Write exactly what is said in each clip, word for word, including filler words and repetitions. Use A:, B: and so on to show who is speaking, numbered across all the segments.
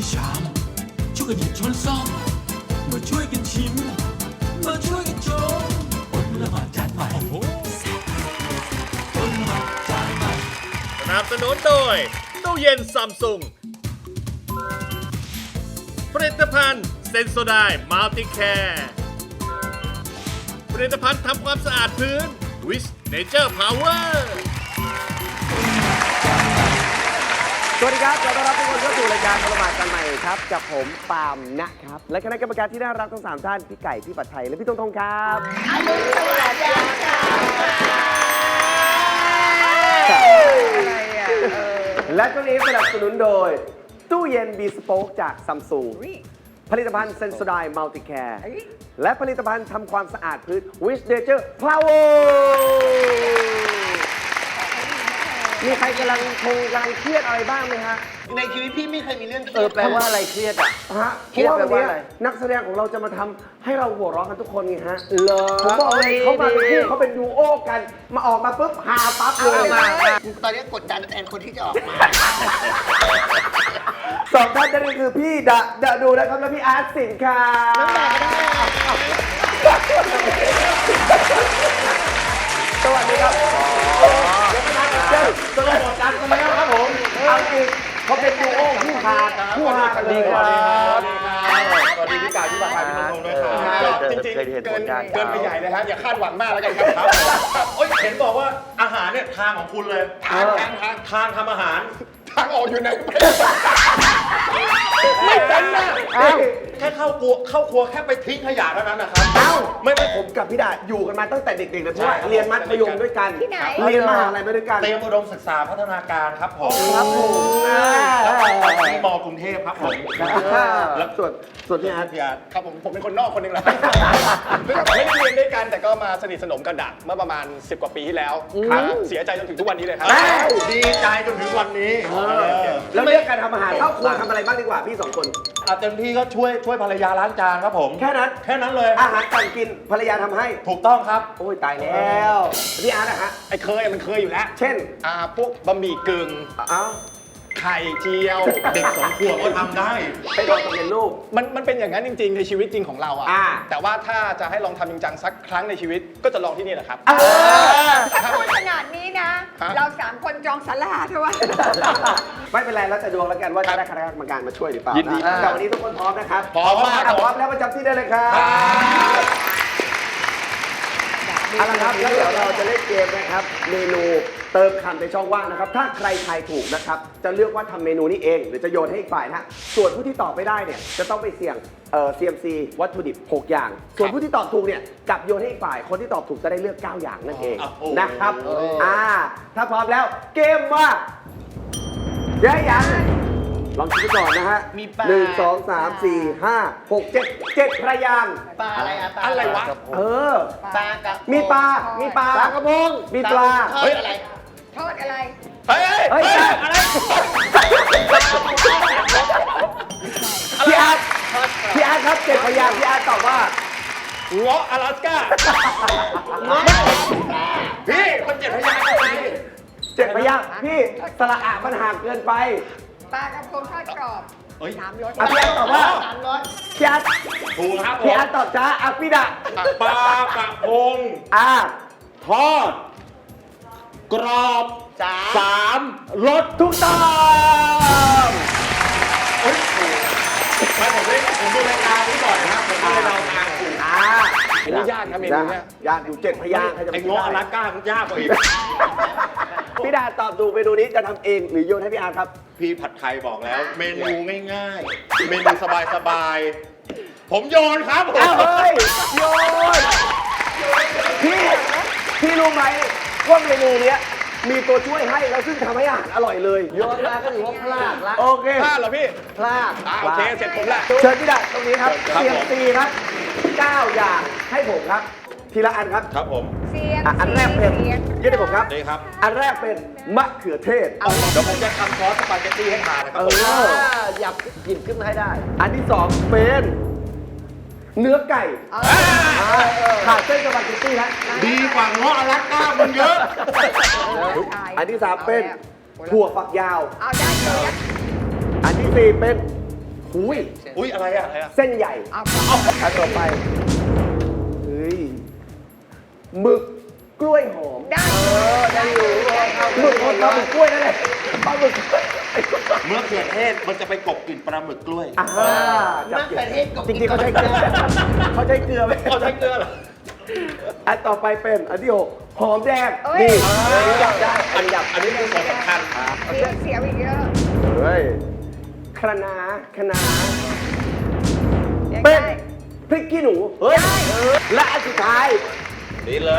A: วยชามช่วยกันหยิบช้อนซ่อมมาช่วยกันชิมมาช่วยกันชมอดละหมาดจานใหม่อดละหมาดจานใหม่
B: สนับสนุนโดยตู้เย็นซัมซุงผลิตภัณฑ์เซนโซไดมัลติแคร์ผลิตภัณฑ์ทำความสะอาดพื้นวิสเนเจอร์พาวเวอร์
C: สวัสดีครับขอต้อนรับทุกคนเข้าสู่รายการประมาทกันใหม่ครับกับผมปาล์มนะครับและคณะกรรมการที่น่ารักทั้งสามท่านพี่ไก่พี่ปัดไทยและพี่ตงทงครับและช่วงนี้สนับสนุนโดยตู้เย็นบีสโป๊กจากซัมซุงผลิตภัณฑ์เซนโซไดมัลติแคร์และผลิตภัณฑ์ทำความสะอาดพื้นวิสเนเจอร์พาวเวอร์มีใครกำลังคงกำลังเครียดอะไรบ้างไหมฮะ
D: ในชีวิตพี่ไม่เคยมีเรื่องเครี
C: เอย อ
D: ด
C: แปลว่าอะไรเครียดอ่ะฮะเพราะว่าวันนี้นักแสดงของเราจะมาทำให้เราหัวเราะกันทุกคนไงฮะเหรอผมบอกเลยเขามาเป็นคู่เขาเป็นดูโอกัน มาออกมาปุ๊บฮาปั๊บเลย
D: มาตอนนี้กดดันแทนคนที่จะออกมา
C: สองท่านนั่นก็คือพี่ดะดะดูนะครับและพี่อาร์ตสินครับสวัสดีครับเจ้าสวัสดีครับกันแล้วครับผมเอาจริงเขาเป็นดูโอคู่ฮาคู่ฮากันเลยครับ
E: สวัสดีพี่กายพี่บาทายพี่นงด้วยครับจริงๆเกินเกินไปใหญ่เลยฮะอย่าคาดหวังมากแล้วกันครับครับโอ้ยเห็นบอกว่าอาหารเนี่ยทางของคุณเลยทางทางทางทางทำอาหารทางออกอยู่ไหนไม่เป็นนะแค่เข้าครัวเข้าครัวแค่ไปทิ้งขยะเท่านั้นนะครับ
C: เอ้า
E: ไม่ไม่
C: ผมกับพี่ดาอยู่กันมาตั้งแต่เด็กๆนะเพราะว่าเรียนมัธยมด้วยกันเรียนมหาลัยมาด้วยกัน
E: เตรียมอุดมศึกษาพัฒนาการครับผม
C: ครับผม
E: ที่มกรุงเทพครับผม
C: แล้วส่วนส่วนพี่อาร์ต
E: พี่อาร์ตครับผมผมเป็นคนนอกคนหนึ่งแหละไม่ได้เรียนด้วยกันแต่ก็มาสนิทสนมกันดักเมื่อประมาณสิบกว่าปีที่แล้วครับเสียใจจนถึงทุกวันนี้เลยครับดีใจจนถึงวันนี้
C: แล้วเรื่องการทำอาหารเข้าครัวทำอะไรบ้างดีกว่าพี่สองคน
E: อาเต็มที่ก็ช่วยช่วยภรรยาล้างจานครับผม
C: แค่นั้น
E: แค่นั้นเลย
C: อาหารการกินภรรยาทำให้
E: ถูกต้องครับ
C: โอ้ยตายแล้วพี่อาร์ตนะฮะ
D: ไอ้เคยมันเคยอยู่แล้ว
C: เช่น
D: อ่าพวกบะหมี่กึ่ง
C: เอ้า
D: ไข่เจียว
E: เด็กสองขวบก็ทำได้
C: ไปลองทำเป็นลูก
D: มันมันเป็นอย่างนั้นจริงๆ ในชีวิตจริงของเราอะ
C: อ่า
D: แต่ว่าถ้าจะให้ลองทำจริงจังสักครั้งในชีวิตก็จะลองที่นี่แหละครับ
F: ถ้าพูดขนาดนี้นะ
D: ฮะ
F: เราสามคนจองสลาเถอะวะ
C: ไม่เป็นไรแล้วแต่ดวงแล้วกันว่าจะได้คณะกรรมการมาช่วยหรือเปล่า
D: ยินดี
C: นะแต่วันนี้ทุกคนพร้อมนะครับ
D: พร้อมมาก
C: พร้อมแล้วประจำที่ได้เลยครับเอาละครับแล้วเดี๋ยวเราจะเล่นเกมนะครับเมนูเติมคำในช่องว่างนะครับถ้าใครทายถูกนะครับจะเลือกว่าทำเมนูนี้เองหรือจะโยนให้อีกฝ่ายนะฮะส่วนผู้ที่ตอบไม่ได้เนี่ยจะต้องไปเสี่ยงเอ่อ ซี เอ็ม ซี วัตถุดิบหกอย่าง ส่วนผู้ที่ตอบถูกเนี่ยกลับโยนให้อีกฝ่ายคนที่ตอบถูกจะได้เลือกเก้าอย่างนั่นเองนะครับอ่าถ้าพร้อมแล้วเกมมาเดี๋ยวยังลองคิดก่อนนะฮะ
D: มีปลา
C: หนึ่งสองสามสี่ห้าหกเจ็ดเจ็ดพระยางค์
D: ปลาอะไรอะปลาอะไรวะ
C: เออ
D: ปลากระ
C: มีปลา มีปลา
D: ปลากระพง
C: มีปลา
D: เฮ้ยอะไร
F: โทษอะไร
D: เฮ้ย
C: เฮ้ย
D: อะไร
C: พี่อาร์ตพี่อาร์ตครับเจ็ดพยางค์พี่อาร์ตตอบว่า
E: เงาะอลาสก้าพี่มันเจ็ดพยางค์ไง
C: เจ็ดพยางค์พี่สระอะมันห่างเกินไป
F: ปลากระพงทอดกรอบสามรส
C: อ่ะพี่อาร์ตตอบว่า
D: สามรส
C: พี่อาร์ต
E: ถูกครับผ
C: พี่
E: ม
C: อาร์ตตอบจ้าอ่ะพี่ดะ
E: ปลากระพง
C: อ่า
E: ทอด กรอบ
D: สาม
E: สามรส
C: ถูกต้อง
E: เฮ้ยถูกไม่ผมได้ผมดูรายการนี้ก่อนนะครับผมก็เลยเดาทางถูก
C: อ่า
D: อันนี้ยากนะเมนูเนี้ย
C: ยากอยู่เจ็ดพยางค์ใครจะ
E: ไอ้
C: ไปคิด
E: เงาะอ
C: ได้
E: ลาสก้ามันยากกว่าอีก
C: พี่ดาตอบถูกเมนูนี้จะทำเองหรือโยนให้พี่อาร์ตครับ
E: พี่ผัดไทยบอกแล้ว เมนูง่ายๆ เมนูสบายๆ ผมโยนครับผม
C: อ้าวเฮ้ยโยนพี่พี่รู้ไหมว่าเมนูเนี้ยมีตัวช่วยให้แล้วซึ่งทำให้อาหารอร่อยเลยโยนมาก็ถือว่าพลาดละโอเค
D: พลาดเหรอพี่
C: พลาด
D: อ่าโอเค เสร็จผมแหละ
C: เชิญพี่ดาตรงนี้ครับ
E: ครับ
C: เสียง
E: ผม
C: ตีครับเก้าอย่างให้ผมครับ ทีละอันครับ
E: ครับผม
F: เสียง
C: อ่ะอันแรกเป็นยื่นให้ผมครับ
E: นี่ครับ
C: อันแรกเป็นมะเขือเทศ
E: เดี๋ยวผมจะทำซอสสปาเกตตี้ให้ทานนะค
C: เอ
E: รับผม
C: อหยับหยิบขึ้นมาให้ได้ อันที่สองเป็นเนื้อไก่ขาดเส้นสปาเกตตี้นะ
E: ดีกว่าเงาะอลาสก้ามันเยอะ
C: อันที่สามเป็นถั่วฝักยาว
F: เอาได้เลย
C: อันที่สี่เป็นอุ้ย
E: อุ้ยอะไรอะอะไรอะ
C: เส้นใหญ่
F: เอา
C: อันต่อไป เฮ้ยหมึกกล้วยหอม
F: ได้
C: ได้อยู่หมึกปลาหมึกกล้วยนั่นแหละปลาหมึกกล้วย
E: เมื่อเขือเทศมันจะไปกบกลิ่นปลาหมึกกล้วย
C: อ่าจับเกลือจริงๆเขาใช้เกลือเขาใช้เกลือไหม
E: เอาใช้เกลือเหรอ
C: อันต่อไปเป็นอันที่หกหอมแดงนี่อันนี้จับได้อันนี้จับ
E: อันนี้คือของสำคัญ
F: เสียวเสียวอีกเยอะ
C: เฮ้ยคะน้าคะน้า
F: ยัง
C: เป็น
F: ได้
C: พริกขี้หนูเฮ้ยและอันสุดท้าย
E: นี่เลย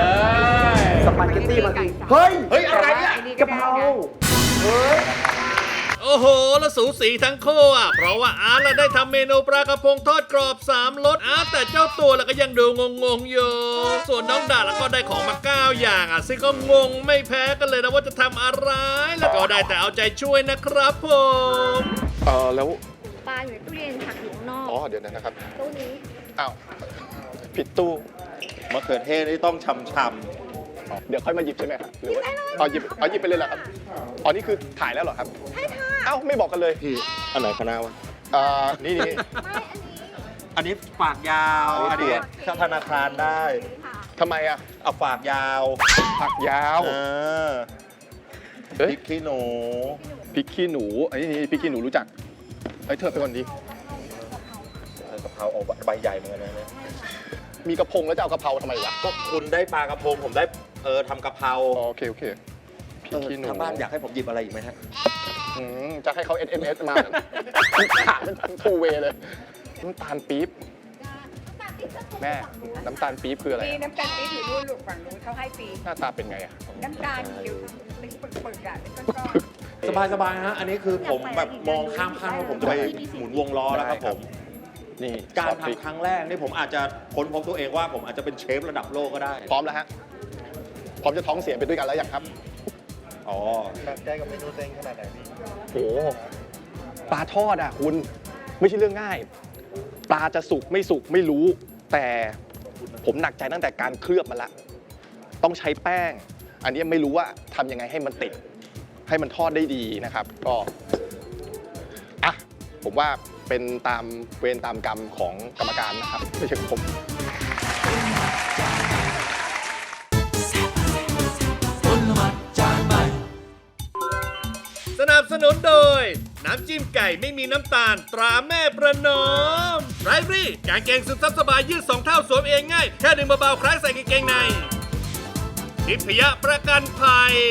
C: สปาเกตตี้มาสิเฮ้ย
E: เฮ้ยอะไรอะ
C: กะเพราเฮ้ย
B: โอ้โห แล้วสูสีทั้งคู่อ่ะ เพราะว่าอาร์ตละได้ทำเมนูปลากระพงทอดกรอบสามรสอาร์ตแต่เจ้าตัวแล้วก็ยังดูงงๆอยู่ ส่วนน้องดาแล้วก็ได้ของมาเก้าอย่างอ่ะซึ่งก็งงไม่แพ้กันเลยนะว่าจะทำอะไร แล้วก็ได้แต่เอาใจช่วยนะครับผม
D: เออแล้ว
G: ปลาอยู่ในตู้เย็นผักอยู่ข้างนอก
D: อ๋อ เดี๋ยวนะครับ
G: ตู้นี้
D: อ้าว ผิดตู้
E: มะเขือเทศนี่ต้องชำช
D: อ๋อเดี๋ยวค่อยมาหยิบใช่ไหมครับหรือว่าเอาหยิบเอาหยิบไปเลยเหรอครับ อ๋อ นี่คือถ่ายแล้วเหรอครับ
G: ใช่ค่ะ
D: เอ้า ไม่บอกกันเลย
E: ำพี่อันไหนคณะวะ
D: อ่า นี่นี่
G: ไม่อันนี้
E: อันนี้ฝากยาว อันนี้เข้าธนาคารได้
G: ค่ะ
D: ทำไมอ่ะ
E: เอาฝากยาว
D: ผักยาว
E: เออพ
D: เฮ้ย
E: ริกขี้หนู
D: พริกขี้หนู อันนี้นี่พริกขี้หนูรู้จักเอ้ยเธอไปก่อนดี
E: กะเพราเอาใบใหญ่เหมือนกันนะเนี่ย
D: มีกระพงแล้วจะเอากะเพราทำไมวะ
E: ก็คุณได้ปลากระพงผมได้เออทำกะเพรา
D: อ๋อโอเค โอเคพริกขี้หนู
E: ทางบ้านอยากให้ผมหยิบอะไรอีกไหมฮะ
D: อืมจะให้เขา เอส เอ็ม เอส มาถามเป็นทูเวเลย น้ำตาลปี๊บ แม่ น้ำตาลปี๊บคืออะไร
F: มี
D: อะ
F: น้ำตาลปี๊บอยู่นู่นลูกฝั่งนู้นเขาให้ฟรี
D: หน้าตาเป็นไงอ่ะ
F: น้ำตาลเดี๋ยวเป็นปึกๆอ่ะเป็นก้อน
E: สบายสบายๆฮะ อันนี้คือผมแบบมองข้ามขั้นว่าผมจะไปหมุนวงล้อแล้วครับผม
D: นี่
E: การ
D: ซอสพริก
E: ทำครั้งแรกนี่ผมอาจจะค้นพบตัวเองว่าผมอาจจะเป็นเชฟระดับโลกก็ได้
D: พร้อมแล้วฮะ พร้อมจะท้องเสียไปด้วยกันแล้วยังครับ
E: อ๋อ
D: ได้กับเมนูเต็งขนาดไหนพี่โอ้ปลาทอดอ่ะคุณ ไม่ใช่เรื่องง่าย ปลาจะสุกไม่สุกไม่รู้ แต่ผมหนักใจตั้งแต่การเคลือบมันละ ต้องใช้แป้ง อันนี้ไม่รู้ว่าทำยังไงให้มันติด ให้มันทอดได้ดีนะครับ ก็อ่ะผมว่าเป็นตามเวรตามกรรมของกรรมการนะครับ ไม่ใช่ของผม
A: ผลไม้จานใหม่
B: สนับสนุนโดย น้ำจิ้มไก่ไม่มีน้ำตาลตราแม่ประนอมไรฟรี่กางเกงซึมซับสบายยืดสองเท่าสวมเองง่าย แค่ดึงเบาๆคล้ายใส่กางเกงในทิพยประกันภัย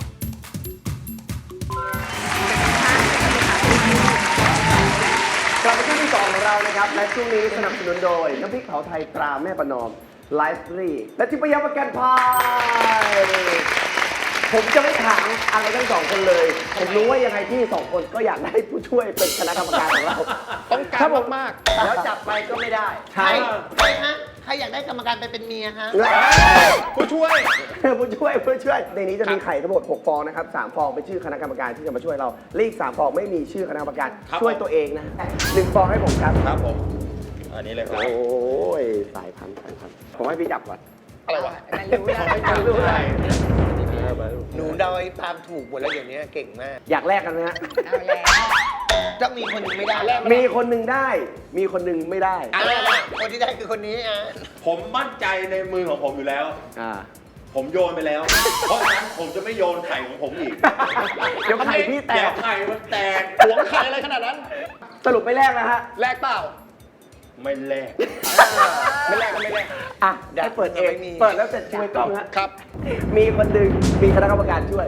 C: กลับมาช่วงที่สองของเรานะครับ และช่วงนี้สนับสนุนโดย น้ำพริกเผาไทยตราแม่ประนอมไลฟ์รีและทิพยประกันภัยผมจะไม่ถามอะไรทั้งสองคนเลย ผมรู้ว่ายังไงพี่สองคนก็อยากได้ผู้ช่วยเป็นคณะกรรมการของเรา
D: ต้องการ
C: ถ้ผม
D: มาก
H: แล้วจับไปก็ไม่ได้
C: ใช่
H: ใครฮะ ใครอยากได้กรรมการไปเป็นเมียฮะ
D: ผู้ช่วย
C: ผู้ช่วยผู้ช่วยในนี้จะมีไข่ทั้งหมดหกฟองนะครับสามฟองเป็นชื่อคณะกรรมการที่จะมาช่วยเราและอีกสามฟองไม่มีชื่อคณะกรรมการ
E: ครับ
C: ช่วยตัวเองนะหนึ่งฟองให้ผมครับ
E: ครับผม อันนี้เลยครับ
C: โอ้ยสายพันธุ์สายพันธุ์ผมให้พี่จับก่อน
D: อะไรวะ
F: มันรู้แล้ว
C: ไม่รู้อะไร
H: หนูเดาไอ้ตามถูกหมดแล้วเดี๋ยวนี้เก่งมาก
C: อยากแลกกันไหมฮะ
F: เอาแล้ว
H: ต้องมีคนหนึ่งไม่ได้
C: มีคนหนึ่งได้ มีคนหนึ่งไม่ได้
H: อ่ะคนที่ได้คือคนนี้อ่ะ
E: ผมมั่นใจในมือของผมอยู่แล้ว
C: อ่า
E: ผมโยนไปแล้ว เพราะฉะนั้นผมจะไม่โยนไข่ของผมอีก
C: เดี๋ยวไข่พี่แต
E: เดี๋ย
C: ก
E: วไข่มันแตก
D: หวงไข่อะไรขนาดนั้น
C: สรุปไม่แลกนะฮะ
D: แลกเปล่า
E: ไม่แลก
D: ไม่แลกก็ไม่แลก
C: อ่ะให้เปิดเอง เปิดแล้วเสร็จช่วยกล้องฮะ
D: ครับ
C: มีคนหนึ่งมีคณะกรรมการช่วย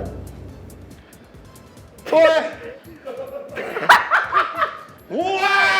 D: โอ้ย
E: ว้า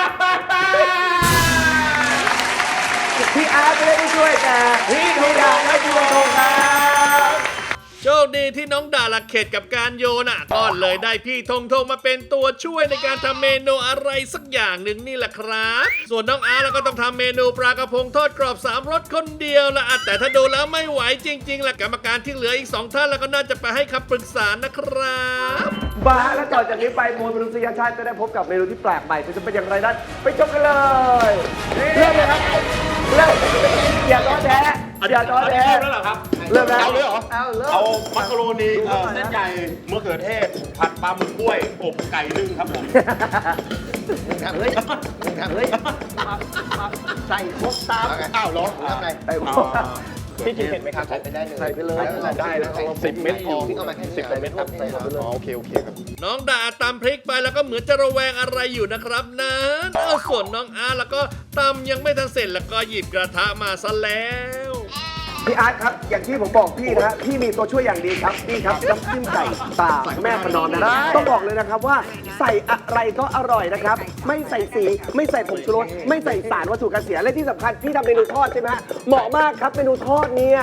C: พี่อาร์ตไม่ได้ไปช่วยแต่พี่ธงดาวและพี่ธงครับ
B: โชคดีที่น้องดาละเข็ดกับการโยนอ่ะก็เลยได้พี่ธงธงมาเป็นตัวช่วยในการทำเมนูอะไรสักอย่างหนึ่งนี่แหละครับ ส่วนน้องอาร์ตแล้วก็ต้องทำเมนูปลากระพงทอดกรอบสามรสคนเดียวละอ่ะแต่ถ้าดูแล้วไม่ไหวจริงๆละกรรมการที่เหลืออีกสองท่านแล้วก็น่าจะไปให้คำปรึกษานะครับ
C: บาร์และต่อจากนี้ไปมวลมนุษยชาติจะได้พบกับเมนูที่แปลกใหม่จะเป็นอย่างไรนั้นไปชมกันเลยเริ่มเลยครับเริ่มอย่าท้อแท้
E: อันนี้
C: อย่าท้อแท้
E: เริ่มแล้วเหรอครับ
C: เริ่มแล้ว
E: เอาเลยเหรอ
C: เอาเริ่ม
E: เอามักกะโรนีเอ่อเส้นใหญ่มะเขือเทศ ผัดปลาหมึกกล้วยอบไก่นึ่งครับผม
H: มึงทำเฮ้ยมึงทำเฮ้ยใส่ครบตาม
E: อ้าวเหรอ
H: ทำไง
C: ไอ้พ
E: อ๋
C: ว
E: อก
D: พี่กินเผ็ดไหมครับ
H: ใส่ไปได้เลย
C: ใส่ไปเลย
D: ได้นะสิบเม็ดพอ
H: พี่เอามาแค่นี้
D: สิบกว่าเม็ดครับ
H: ใส่ไปเลย
D: อ๋อโอเคโอเคครับ
B: น้องดาตำพริกไปแล้วก็เหมือนจะระแวงอะไรอยู่นะครับนั้นเอาส่วนน้องอาร์ตแล้วก็ตำยังไม่ทันเสร็จแล้วก็หยิบกระทะมาซะแล้ว
C: พี่อาร์ตครับ อย่างที่ผมบอกพี่นะฮะพี่มีตัวช่วยอย่างดีครับนี่ครับน้ำจิ้มไก่ตาแม่ประนอมนะต้องบอกเลยนะครับว่าใส่อะไรก็อร่อยนะครับ ไม่ใส่สีไม่ใส่ผงชูรสไม่ใส่สารวัตถุกันเสียและที่สำคัญพี่ทำเมนูทอดใช่ไหมฮะเหมาะมากครับเมนูทอดเนี่ย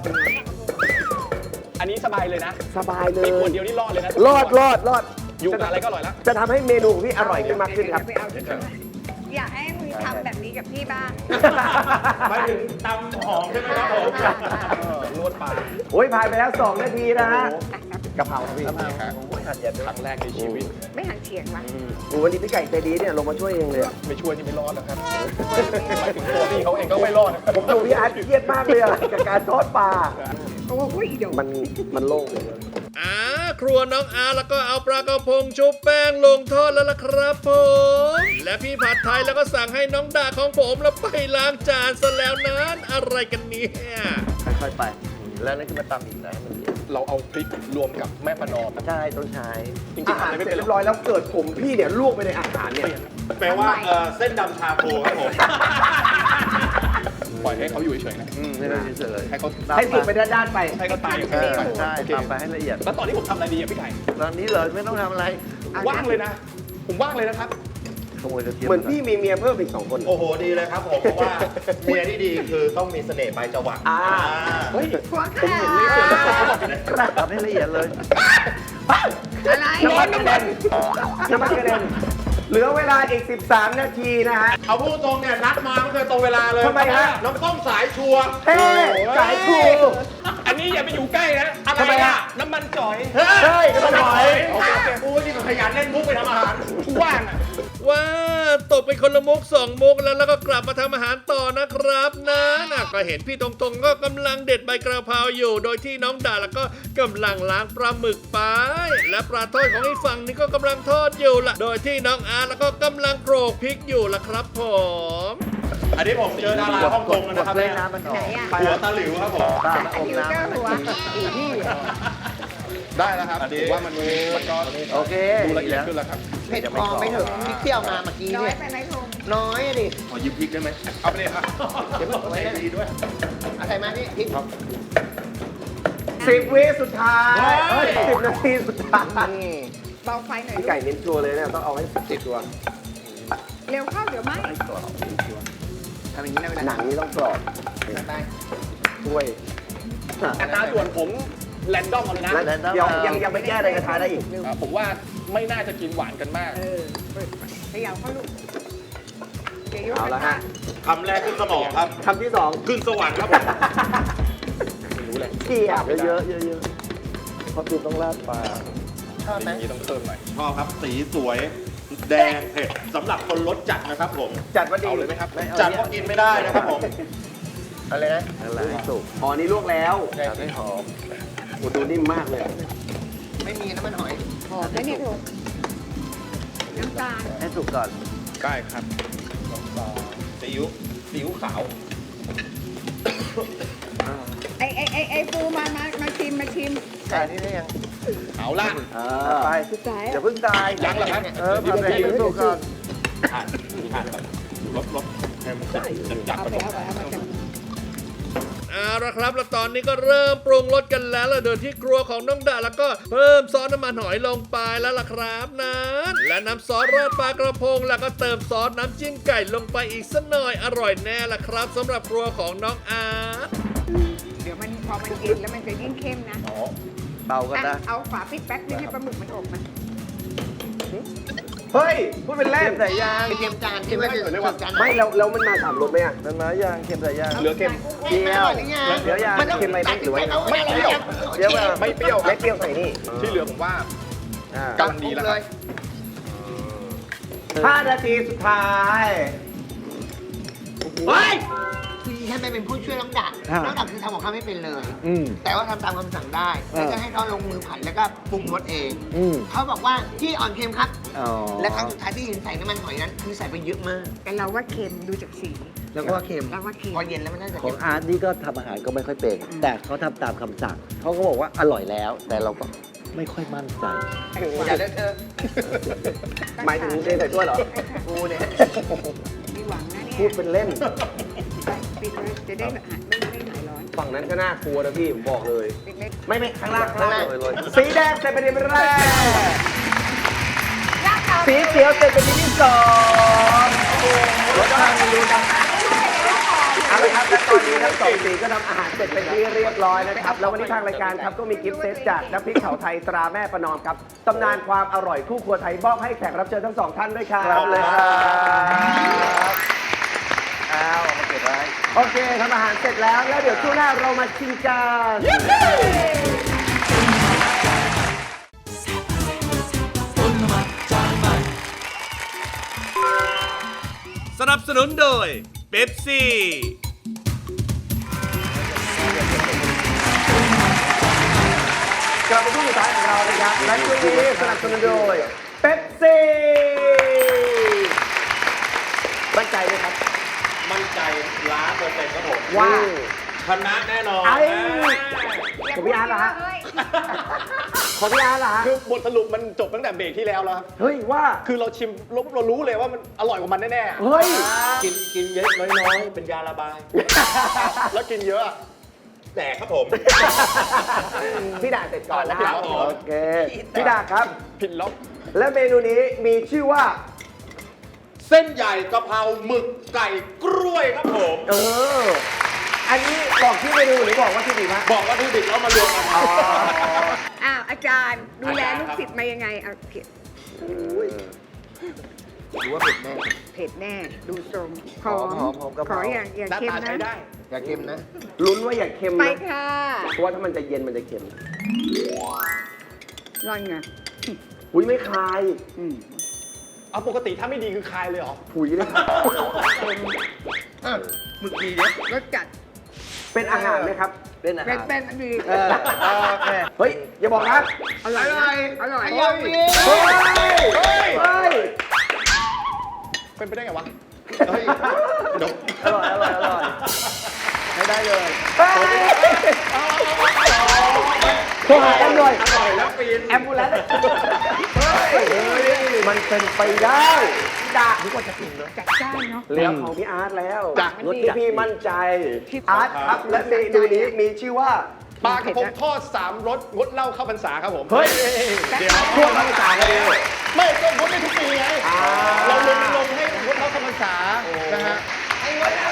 D: อันนี้สบายเลยนะ
C: สบายเล
D: มี
C: ย
D: ขวดเดียวนี่รอดเลยนะ
C: รอดรอดรอด
D: อยู่กับอะไรก็อร่อยแล้ว
C: จะทำให้เมนูของพี่อร่อยขึ้นมากขึ้นครับ
F: ไปเอาที่ไหนอยากให้มึงทำแบบนี้กับพี่บ้าง
E: หมายถึงตำหอมใช่ไหมครับผม
D: นวดปลา
C: โอ้ยผ่านไปแล้วสองนาทีนะฮะกะเพราครับพี่
D: ครั้งแรกในชีวิต
F: ไม่หันเฉียงวะ
C: โอ้วันนี้พี่ไก่ใจดีเนี่ยลงมาช่วยเองเลยอะ
D: ไม่ช่วยนี่ไม่รอดแล้วครับหมายถึงตัวพี่เขาเองก็ไม่รอดนะครับ
C: ผมดูพี่อาร์ตเครียดมากเลยอะกับการทอดปลา
F: โอ้ยเดี๋ยว
C: มันมันโล่งเลย
B: อ่าครัวน้องอาร์แล้วก็เอาปลากระพงชุบแป้งลงทอดแล้วล่ะครับผม และพี่ผัดไทยแล้วก็สั่งให้น้องดาของผมแล้วไปล้างจานซะแล้วนั้นอะไรกันเนี่ย
H: ค่อยๆไป แล้วนั่นคือมาตำอีกนะมัน
D: เราเอาพริกรวมกับแม่ประนอม
H: ใช่ต้องใช้
D: จริง
C: อา
D: ๆ
C: หาร
D: ทำอะไร
C: เสร็
D: ไม่
C: จ
D: เป็นหร
C: เรี
D: อย ก
C: บร้อยแล้วเกิดผมพี่เนี่ยลวกไปในอาหารเนี่ย
E: แปลว่าเอ่อเส้นดำชาโคครับผม
D: ปล่อยให้เขาอยู่เฉยๆนะ
H: อืมให้เราเฉย
D: ให้เขา
C: ให้สุกไปด้านๆไป
D: ให้เขาตายอยู่
H: ๆ
D: แค่
H: ใช่
D: นั้นไป
H: ใช่
D: โอเค
H: ตำไปให้ละเอียด
D: แล้วตอนนี้ผมทำอะไรดีอ่ะพี่ไก่
H: ตอนนี้เลยไม่ต้องทำอะไร
D: ว่างเลยนะ ผมว่างเลยนะครับ
H: ขโมยกระเทียม
C: เหมือนพี่มีเมียเพิ่มอีกสองคน
E: โอ้โหดีเลยครับผมเพราะว่าเมียที่ดีคือต้องมีเสน่ห์ปลายจวัก
C: อ่า
D: เฮ้ย
F: หัว
D: ผม
F: ขา
D: เห็นในส่วนที่เขาบอกนะ
H: ทำให้ละเอียดเลย
F: อะไร
C: น้ำมันกระเด็นน้ำมันกระเด็นเหลือเวลาอีก สิบสาม นาทีนะฮะ
E: เอาพูดตรงเนี่ยนัดมาไม่เคยตรงเวลาเลย
C: ทำไมฮะ
E: น้ำต้มสายชัวร์
C: เฮ้สายครู
D: อันนี้อย่าไปอยู่ใกล้นะ
E: อะไรอะ
D: น้ำมันจ่อย
E: เฮ้
C: เฮ้ยน้ำมันหอย
E: โอเคโอเคกูนี่ก็ขยันเล่นมุกไปทำอาหาร
D: ว่างอ่ะ
B: ว้าตกไปคนละมุกสองมุกแล้วแล้วก็กลับมาทำอาหารต่อนะครับนะน่ะก็เห็นพี่ตรงๆก็กำลังเด็ดใบกระเพราอยู่ โดยที่น้องดาแล้วก็กำลังล้างปลาหมึกไป และปลาทอดของอีกฝั่งนี้ก็กำลังทอดอยู่ละโดยที่น้องอาร์ตแล้วก็กำลังโขลกพริกอยู่ละครับผม
E: อันนี้ผมเจอดาราฮ่องกงแล้วนะครับ
H: เล่
E: เนี่ย
H: นน้ำมันออก
F: ไหนอ่ะ
E: หัวตาหลิวครับผม
H: ตา
F: อัน
H: อม
F: นี้ก็
H: น้ำ
F: หัวอีนี่
D: ได้แล้วครับผมว่ามันมันก็
H: โอเค
D: ดูละเอียด
H: แล้ว
D: ขึ้นแล้วครับ
H: เผ็ดพอไม่ถึงพริกเปรี้ยวมาเมื่อกี้
F: น้อย
H: เนี่ย
F: ไปไหมพง
H: น้อยอะดิ
D: ขอยืมพริกได้ไหมเอาไปเลยครับ
H: เดี๋ยวบอกไว้นะดีด้วยอะไรมานี่พริก
C: สิบวิสุดท้ายเฮ้ยสิบนาทีสุดท้าย
H: นี่
F: เบาไฟหน่อย
C: พี่ไก่เน้นชัวร์เลยเนี่ยต้องเอาให้สิบตัว
F: เร็วเข้าเดี๋ยวไหม
H: ทำอย่างนี้นะเวลา
C: หนังนี่ต้องกรอบ
H: ไป
C: ช่วย
D: อัตราส่วนผมแรนดอมเอาเลยนะ
C: แล้วเดี๋ยวยังยังไม่แก้ในกระทะได้อีก
D: อ่าผมว่าไม่น่าจะกินหวานกันมาก
F: เออเปิดขยับเข้าลูกเดี๋ยวยก
C: เอาละฮะ
E: คำแรกขึ้นสมองครับ
C: คำที่สอง
E: ขึ้นสวรรค์ครับผม
D: รู้เลย
C: เกียบ
H: เยอะๆเยอะๆเพราะคุณต้องราดปลาชอบไหม
D: อย่างนี้ต้องเพิ่มหน่อย
E: ชอบครับสีสวย แดงเผ็ดสำหรับคนรสจัดนะครับผม
C: จัดว่าดี
D: เอาเลยไหมครับ
E: จัดก็กินไม่ได้นะครับผม
H: อะไรนะอะไรสุก
C: อ๋อนี่ลวกแล้ว
H: ทำให้หอม
C: โอ้ดูนิ่มมากเลย
H: ไม่มีน้ำมันหอย
F: หอมแล้วเนี่ยถูกน้ำตาล
H: ให้สุกก่อน
D: ได้ครับ
E: ซีอิ๊วซีอิ๊วขาว
F: ไอไอไอไอปูมามามาชิมมาชิม
H: แต่นี่ได้ยัง
D: เอาละ
C: เอ
H: ไป
C: อ
F: สุดท้าย
H: อย่าเพิ่งตาย
D: ยังเหรอครับ
H: เออผัดไปให้สุกก่อน
E: ผ่านผ่านแบบรสรสให้มันจัดจัด
F: เอา
E: ผ
F: ไป
E: สม
F: เอาไปเอามาจาก
B: เอาละครับแล้วตอนนี้ก็เริ่มปรุงรสกันแล้วล่ะโดยที่ครัวของน้องดาแล้วก็เพิ่มซอสน้ำมันหอยลงไปแล้วล่ะครับนั้นและน้ำซอสราดปลากระพงแล้วก็เติมซอสน้ำจิ้มไก่ลงไปอีกสักหน่อยอร่อยแน่ล่ะครับสำหรับครัวของน้องอาร์ต
F: เดี๋ยวมันพอมันกินแล้วมันจะยิ่งเข้มนะ
H: เบาก็
F: อ่ะ
H: ได้
F: เอาฝาปิดแป๊บนึงให้ปลาหมึกมันอบมัน
C: เฮ้ย พูดเป็น
H: เค็
C: เล่น
H: มใส่ยางเค็มจานที่ไม่ได้เรียกว่า
C: ไม่แล้วแล้วมันมาสามรสไหมอ่ะ
H: มันมายางเค็มใส่ยาง
D: เหลือเค็ม
H: เปรี้ยวเดี๋ยวยาง
C: เค็มไหมหรือว่า
D: ไม่เปรี้ยว
H: เดี๋ยวมา
D: ไม่เปรี้ยวครั
C: ไม่
D: บ
C: เปรี้ยวใส่นี่
D: ที่เหลือผมว่า
H: อ่าก
D: ำลังดีแล้วครับ
C: ห้านาทีสุดท้าย เฮ้ย
F: แ
H: ให้ไปเป็นผู้ช่วยน้องดัก
C: ฮะ
H: น้องดักคือทำของข้าวไม่เป็นเลย
C: อืม
H: แต่ว่าทำตามคำสั่งได้
C: เออ
H: แล้วก็ให้เขาลงมือผัดแล้วก็ปรุงรสเอง
C: อืม
H: เขาบอกว่าที่อ่อนเค็มครับ
C: อ๋อ
H: และครั้งสุดท้ายที่เห็นใส่น้ำมันหอยนั้นคือใส่ไปเยอะมาก
F: แต่เราว่าเค็มดูจากสี
H: แล้วก็เค็ม
F: เราว่าเค็ม
H: พอเย็นแล้วมันน่าจะ
I: ขอ
H: เค็
I: ง
H: ม
I: อาร์ตนี่ก็ทำอาหารก็ไม่ค่อยเป็น แต่เขาทำตามคำสั่งเขาก็บอกว่าอร่อยแล้ว แต่เราก็ไม่ค่อยมั่นใจ
H: อย่าเลอะเทอะ
C: หมายถึงเทใส่ถ้วยเหรอ
H: กูเนี่ย
F: มีหวังนะเนี่ย
C: พูดเป็นเล่น
F: ปิดเลยจะได้แบบหายไม่ไม่หายร้อน
C: ฝั่งนั้นก็น่ากลัวนะพี่ ผมบอกเลย
F: ปิดเลย
C: ไม่ไม่ข้างล่างข้างล่างสีแดงเสร็จเป็นที่แรก สีเขียวเสร็จเป็นที่สองรสชาติไม่รู้นะเอาละครับและตอนนี้ทั้งสองสีก็ทำอาหารเสร็จเป็นที่เรียบร้อยนะครับ แล้ววันนี้ทางรายการครับก็มีกิฟต์เซตจากน้ำพริกเผาไทยตราแม่ประนอมครับตำนานความอร่อยคู่ครัวไทยมอบให้แขกรับเชิญทั้งสองท่านด้วยครับ
I: ครับเลยครับ
C: เอามาเก็บไว้โอเคทำอาหารเสร็จแล้วแล้วเดี๋ยวช่วงหน้าเรามาชิมกัน
A: ต้นมาจากใหม่
B: สนับสนุนโดยเป๊ปซี่
C: กลับมาช่วงสุดท้ายของเรานะครับและช่วงนี้สนับสนุนโดยเป๊ปซี่มั่นใจไหมครับ
E: มั่นใจล้านเปอร์เซ็นต์ครับผม
C: ว่า
E: ชนะแน่นอน
C: ไอ้ของพี่อาร์ตเหรอฮะของพี่อาร์ตเหรอฮะ
D: คือบทสรุปมันจบตั้งแต่เบรกที่แล้วแล้วครับ
C: เฮ้ยว่า
D: คือเราชิมเราเรารู้เลยว่ามันอร่อยกว่ามันแน่ๆ
C: เฮ้ย
E: กินกินเยอะน้อยๆ เป็นยาระบาย
D: แล้วกินเยอะอะ
E: แดกครับผม
C: พี่ดาเสร็จก่อนนะครับ
E: ครับผม
C: โอเคพี่ดาครับ
D: ผิดล็อก
C: และเมนูนี้มีชื่อว่า
E: เส้นใหญ่กะเพราหมึกไก่กล้วยครับผม
C: เออ อันนี้บอกชื่อเมนูหรือบอกว่าที่ดีมาก
E: บอกว่าทุดิบแล้วมารวมกัน
C: อ๋อ
F: อ้าวอาจารย์ดูแลลูกศิษย์มายังไงเอาเผ็ด
H: รู้ว่าเผ็ดแน่
F: เผ็ดแน่ ดูทรงหอม
H: หอมหอมกะเพ
F: ข
H: รา
F: ออย่างอย่า
D: หน้า
F: เค็ม
D: ตาใช้
F: นะ
D: ได้
H: อย่าเค็มนะ
C: ลุ้นว่าอย่าเค็ม
F: ไป
C: นะ
F: ค่ะ
C: เพราะว่าถ้ามันจะเย็นมันจะเค็ม
F: ร่อนไง
C: อุ้ยไม่คาย
F: อืม
D: เอาปกติถ้าไม่ดีคือคายเลยเหรอ
C: ผุยเลยครับ
H: หมึกดีเนี่ย
F: รสจัด
C: เป็นอาหารไหมครับ
I: เป็นอา
F: เป็
I: หาน ร
F: เป็นอันดี
C: เออโอเค เฮ้ย อย่าบอกนะ
F: อร่อยนะอร่อย
H: อร่อย
C: เฮ้ย เฮ้ย เฮ้ย
D: เป็นไปได้ไงวะ
E: เฮ้ยเดี๋ยว
C: อร่อย อร่อย อร่อยไม่ได้เลยเฮ้ยโทรหาแอมหน่อย
E: อร่อยแล้วปีน
C: แอมบูเลนซ์เฮ้ย มันเป็นไปได้ด่าทุกคนจะกินเลย
F: จัดจ้านเนาะ
C: เหลือของพี่อาร์ตแล้ว
F: จ้ะ
C: รถที่พี่มั่นใจ
F: ที่
C: อาร์ตครับ และเมนูนี้มีชื่อว่า
D: ปลากระพงทอดสามรสงดเหล้าเข้าพรรษาครับผม
C: เฮ้ย
D: เดี๋ยว
C: พวกเราภาษากันเอง
D: ไม่ก็งดได้ทุกปีไง
C: อ่า
D: เราลงลงให้งดเหล้าเข้าพรรษานะฮะงดแล้ว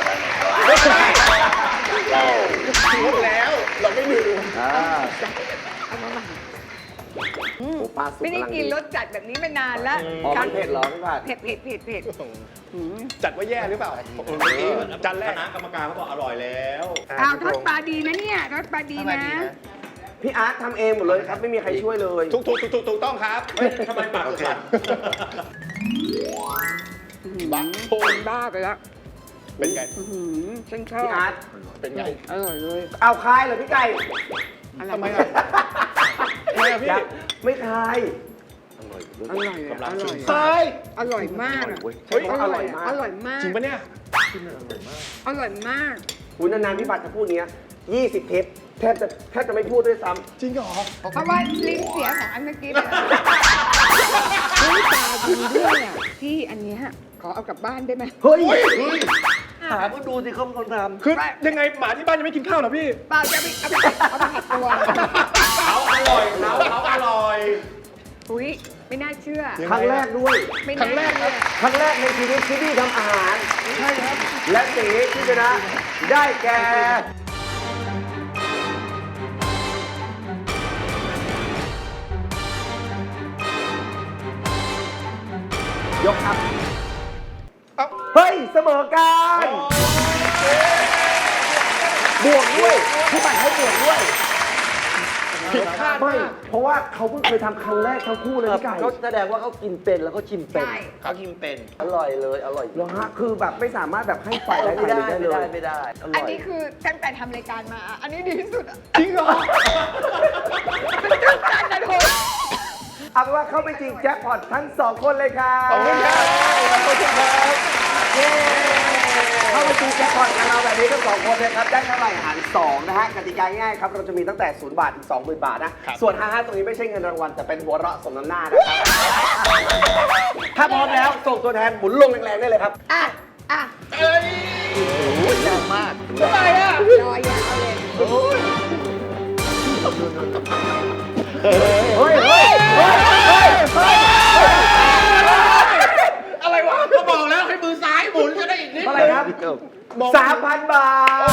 D: เราไม่ลืม
C: อ่า
F: เอามาใหม่
C: โอ้ปลาสุก
F: ไม่ได้
C: กำลัง
F: กินรสจัดแบบนี้มานานแล้ว
C: อ๋อมันเผ็ดเหรอพี่ผัด
F: เผ็ดเผ็ดเผ็ดเผ็ดอืม
D: จัดว่าแย่หรือเปล่าเมื่อกี้จานแร
E: ค
D: ก
E: ณะกรรมการเขาบอกอร่อยแล้ว
F: อ้าวทอดปลาดีนะเนี่ยทอดปลาดี
H: ทำไม
F: นะ
H: ดีนะ
C: พี่อาร์ตทำเองหมดเลยครับ ไม่มีใครช่วยเลย
D: ถูกถูกถูกถูกถูกต้องครับ
E: เฮ้ยทำไมปากสั่น
D: บักโพ
F: เป็นบ้าไปแล้ว
D: เป็นไง
F: อื้อหือฉันชอบ
C: พี่อาร์ต
D: เป็นไง
F: อร่อยเลย
C: เอาคายเหรอพี่ไก่
F: อร่อย
D: ทำไมอ่ะ ทำไมอ่ะพี่
C: ยังไม่คาย
F: อร่อยอะอร่อย
D: ตาย
F: อร่อยมากอะ
C: เฮ้ยอร่อยมาก
F: อร่อยมาก
D: จริงปะเนี่ย
F: อร่อยมาก
C: คุณนานๆพี่บัตรจะพูดเนี้ยยี่สิบเทปแทบจะแทบจะไม่พูดด้วยซ้ำ
D: จริงเหรอ
F: เพราะว่าลิ้นเสียของอันเมื่อกี้เลยเฮ้ยตาจริงด้วยอ่ะพี่อันเนี้ยขอเอากลับบ้านได้ไหม
C: เฮ้ย
I: หาก็ดูสิเขาเป็นคนทำ
D: คือยังไงหมาที่บ้านยังไม่กินข้าวเหรอพี่
F: เปล่าจะเอาไปเอาไปเอาไปหัดตัว
E: เขาอร่อยเขาเขาอร่อย
F: อุ้ยไม่น่าเชื่อ
C: ครั้งแรกด้วย
F: ไม่
D: ครั้
F: น่าง
D: แรกครับ
C: ครั้งแรกในชีวิตที่พี่ทำอาหาร ใช่ครับ และสีที่ชนะได้แก่ ยกครับ
D: เอ้า
C: เฮ้ย เสมอกัน บวกด้วยพี่บัตรให้บวกด้วย
D: ผิดคาด
C: ไม่
H: มาก
C: เพราะว่าเขาเพิ่งเคยทำครั้งแรกทั้งคู่เลยพี่ไก่
I: เขาแสดงว่าเขากินเป็นแล้วเขาชิมเป็น
F: ใช่
H: เขากินเป็น
I: อร่อยเลยอร่อย
C: เหรอฮะคือแบบไม่สามารถแบบให้ไฟได้
I: ไม่
C: ไฟ
I: ได้
C: ได้
I: ไม่
C: เล
I: ได้
C: ย
I: ไม่ได้อร่
F: อัน
I: อย
F: นี้คือตั้งแต่ทำรายการมา อันนี้ดีที่สุดอ่ะ
C: จริงเหรอ
F: มันตื่นเต้นนะทุก
C: เอาเป็นว่าเข้าไปจริงแจ็คพอตทั้งสองคนเลยครับ
D: ขอบคุณครับขอบคุณครับ
C: เย้เข้าไปจริงแจ็คพอตกับเราแบบนี้ทั้งสองคนเลยครับได้เท่าไหร่หารสองนะฮะกติกาง่ายครับเราจะมีตั้งแต่ศูนย์บาทถึงสองหมื่นบาทนะส่วนห้าห้าตรงนี้ไม่ใช่เงินรางวัลแต่เป็นหัวเราะสมน้ำหน้านะครับถ้าพร้อมแล้วส่งตัวแทนหมุนลงแรงๆได้เลยครับ
F: อ่ะ อ่ะ
H: แรงมาก
F: ทำไมอ่ะรอยยาวเลย
C: เฮ้ยเฮ้ยเฮ้ยเฮ้ยเฮ้ย
E: อะไรวะก็บอกแล้วให้มือซ้ายหมุนจะได้อีกนิด
C: เท่าไหร่ครับสามพันบาท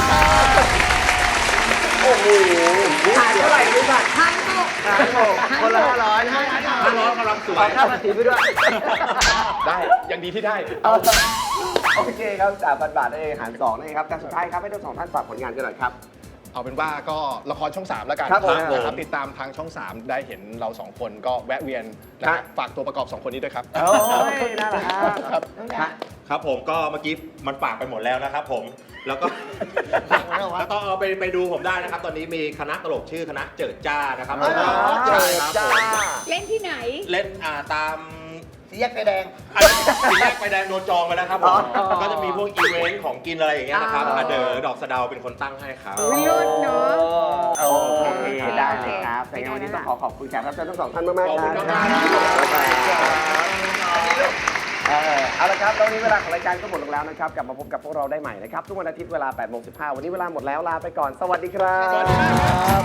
C: โอ้โหหารเท่าไหร่รู้ป่ะ
F: พันหก
C: หารหกคนละห้าร้อยห้า
E: ถ้าร้อนกำลังสวย
C: ค่าภาษีไปด้วย
D: ได้ยังดีที่ได้
C: เอาโอเคครับสามพันบาทนั่นเองหารสองนั่นเองครับแต่สุดท้ายครับให้ทั้งสองท่านฝากผลงานกันหน่อยครับ
D: เอาเป็นว่าก็ละครช่องสามแล้วกัน
C: ครับผม
D: นะครับติดตามทางช่องสามได้เห็นเราสองคนก็แวะเวียนนะ
C: ครั
D: ฮะ
C: บ
D: ฝากตัวประกอบสองคนนี้ด้วยครับ
C: โอ้ยน่ารัก
D: ครับ
C: ครับ
E: ครับผมก็เมื่อกี้มันปากไปหมดแล้วนะครับผมแล้วก็แล้วก็เอาไปไปดูผมได้นะครับ ตอนนี้มีคณะตลกชื่อคณะเจิดจ้านะครับ
C: อ๋อเหรอ
E: ใช่ครับ
H: จ้า
E: ผม
F: เล่นที่ไหน
E: เล่นอ่าตาม
H: สีแยกไฟแดง
E: อันนี้สีแยกไฟแดงโดนจองไปแล้วครับผม
C: อ๋อ
E: ก็จะมีพวกอีเวนต์ของกินอะไรอย่างเงี้ยนะครับ
F: อ๋ออ่
E: าเดอดอกสะเดาเป็นคนตั้งให้ครับ
F: วิรุธเนาะ
C: โอเคได้เลยครับแต่ยังไงวันนี้ต้องขอขอบคุณแขกรับเชิญทั้งสองท่านมากๆ
E: ขอบ
C: ค
E: คุ
C: รับ
E: ณมากครับ
C: เออเอาละครับแล้ววันนี้เวลาของรายการก็หมดลงแล้วนะครับกลับมาพบกับพวกเราได้ใหม่นะครับทุกวันอาทิตย์เวลาแปดโมงสิบห้าวันนี้เวลาหมดแล้วลาไปก่อนสวัสดีครับ
E: สวัสดีครับ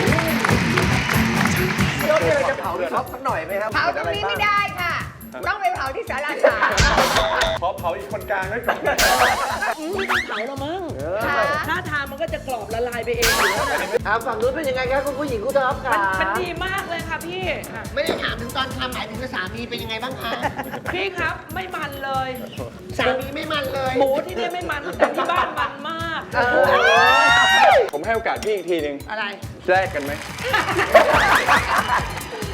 C: พี่โอ๊ตมีอะไรจะเผาหรือช็อปสักหน่อยไหมครับ
F: เผาตรงนี้ไม่ได้ค่ะ ต้องไปเผาที่ศาลาสาม
C: ขอเผาอีกคนกลางไว้ก่อน
J: อืมไม่ต้องเผาแล้วมั้ง
F: ค่ะ
J: ถ้าทานมันก็จะกรอบละลายไปเองอยู่แล้วนะ
I: อ่าฝั่งนู้นเป็นยังไงครับคุณผู้หญิงคุณท็อปครั
J: มัน
I: บ
J: มันดีมากเลยค่ะพี่อ่ะ
H: ไม่ได้ถามถึงตอนทำหมายถึงสามีเป็นยังไงบ้างคะ
J: พี่ครับไม่มันเลย
H: สามีไม่มันเลย
J: หมูที่เนี่ยไม่มันแต่ที่บ้านมันมาก
D: ผมให้โอกาสพี่อีกทีหนึ่ง
J: อะไร
D: แลกกันไหม